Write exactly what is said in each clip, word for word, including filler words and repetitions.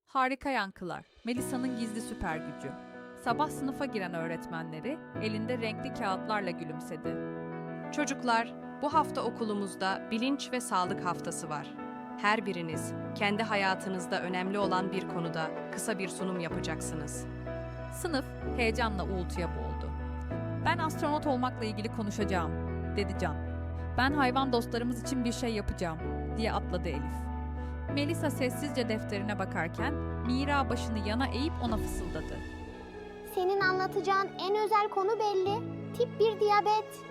Harika yankılar. Melisa'nın gizli süper gücü. Sabah sınıfa giren öğretmenleri elinde renkli kağıtlarla gülümsedi. Çocuklar, bu hafta okulumuzda bilinç ve sağlık haftası var. Her biriniz kendi hayatınızda önemli olan bir konuda kısa bir sunum yapacaksınız. Sınıf heyecanla uğultuya boğuldu. "Ben astronot olmakla ilgili konuşacağım," dedi Can. "Ben hayvan dostlarımız için bir şey yapacağım," diye atladı Elif. Melisa sessizce defterine bakarken Mira başını yana eğip ona fısıldadı. Senin anlatacağın en özel konu belli. Tip bir diyabet.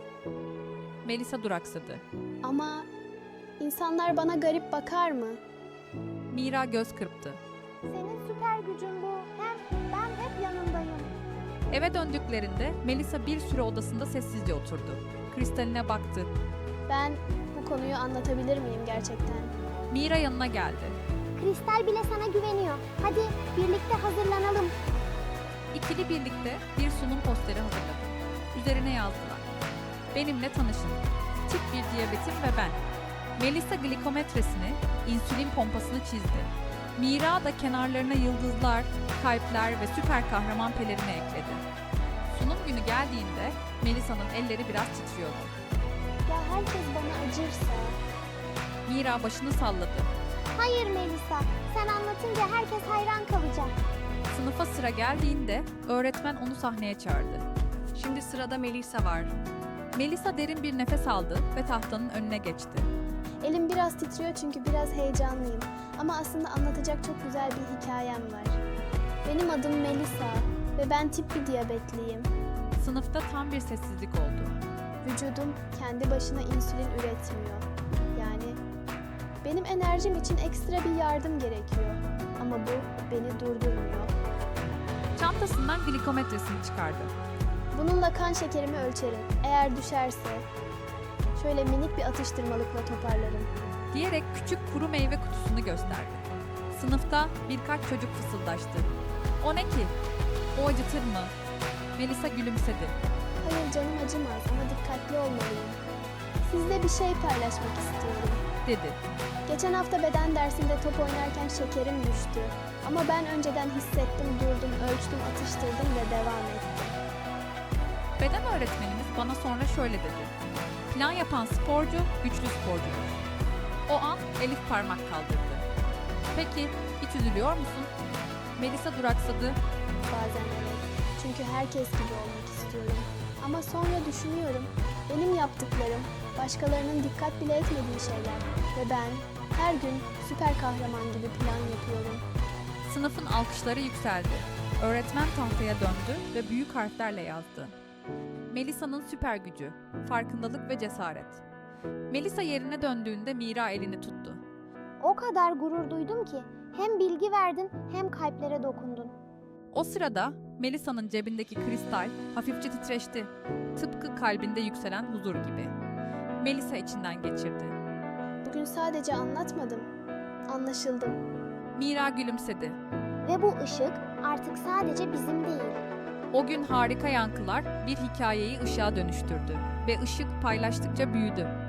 Melisa duraksadı. Ama insanlar bana garip bakar mı? Mira göz kırptı. Senin süper gücün bu. Hem ben hep yanındayım. Eve döndüklerinde Melisa bir süre odasında sessizce oturdu. Kristaline baktı. Ben bu konuyu anlatabilir miyim gerçekten? Mira yanına geldi. Kristal bile sana güveniyor. Hadi birlikte hazırlanalım. İkili birlikte bir sunum posteri hazırladı. Üzerine yazdılar. "Benimle tanışın. Tip bir diyabetim ve ben." Melisa glikometresini, insülin pompasını çizdi. Mira da kenarlarına yıldızlar, kalpler ve süper kahraman pelerini ekledi. Sunum günü geldiğinde Melisa'nın elleri biraz titriyordu. Ya herkes bana acırsa? Mira başını salladı. Hayır Melisa. Sen anlatınca herkes hayran kalacak. Sınıfa sıra geldiğinde öğretmen onu sahneye çağırdı. Şimdi sırada Melisa var. Melisa derin bir nefes aldı ve tahtanın önüne geçti. Elim biraz titriyor çünkü biraz heyecanlıyım. Ama aslında anlatacak çok güzel bir hikayem var. Benim adım Melisa ve ben tip bir diyabetliyim. Sınıfta tam bir sessizlik oldu. Vücudum kendi başına insülin üretmiyor. Yani benim enerjim için ekstra bir yardım gerekiyor. Ama bu beni durdurmuyor. Çantasından glikometresini çıkardı. Bununla kan şekerimi ölçerim. Eğer düşerse şöyle minik bir atıştırmalıkla toparlarım. Diyerek küçük kuru meyve kutusunu gösterdi. Sınıfta birkaç çocuk fısıldaştı. "O ne ki? O acıtır mı?" Melisa gülümsedi. Hayır canım acımaz ama dikkatli olmalıyım. Sizle bir şey paylaşmak istiyorum. dedi. Geçen hafta beden dersinde top oynarken şekerim düştü. Ama ben önceden hissettim, durdum, ölçtüm, atıştırdım ve devam ettim. Beden öğretmenimiz bana sonra şöyle dedi. "Plan yapan sporcu güçlü sporcudur." O an Elif parmak kaldırdı. "Peki hiç üzülüyor musun?" Melisa duraksadı. Bazen evet. Çünkü herkes gibi olmak istiyorum. Ama sonra düşünüyorum. Benim yaptıklarım başkalarının dikkat bile etmediği şeyler. Ve ben her gün süper kahraman gibi plan yapıyorum. Sınıfın alkışları yükseldi. Öğretmen tahtaya döndü ve büyük harflerle yazdı. Melisa'nın süper gücü, farkındalık ve cesaret. Melisa yerine döndüğünde Mira elini tuttu. O kadar gurur duydum ki hem bilgi verdin hem kalplere dokundun. O sırada Melisa'nın cebindeki kristal hafifçe titreşti. Tıpkı kalbinde yükselen huzur gibi. Melisa içinden geçirdi. Bugün sadece anlatmadım. Anlaşıldım. Mira gülümsedi. Ve bu ışık artık sadece bizim değil. O gün harika yankılar bir hikayeyi ışığa dönüştürdü ve ışık paylaştıkça büyüdü.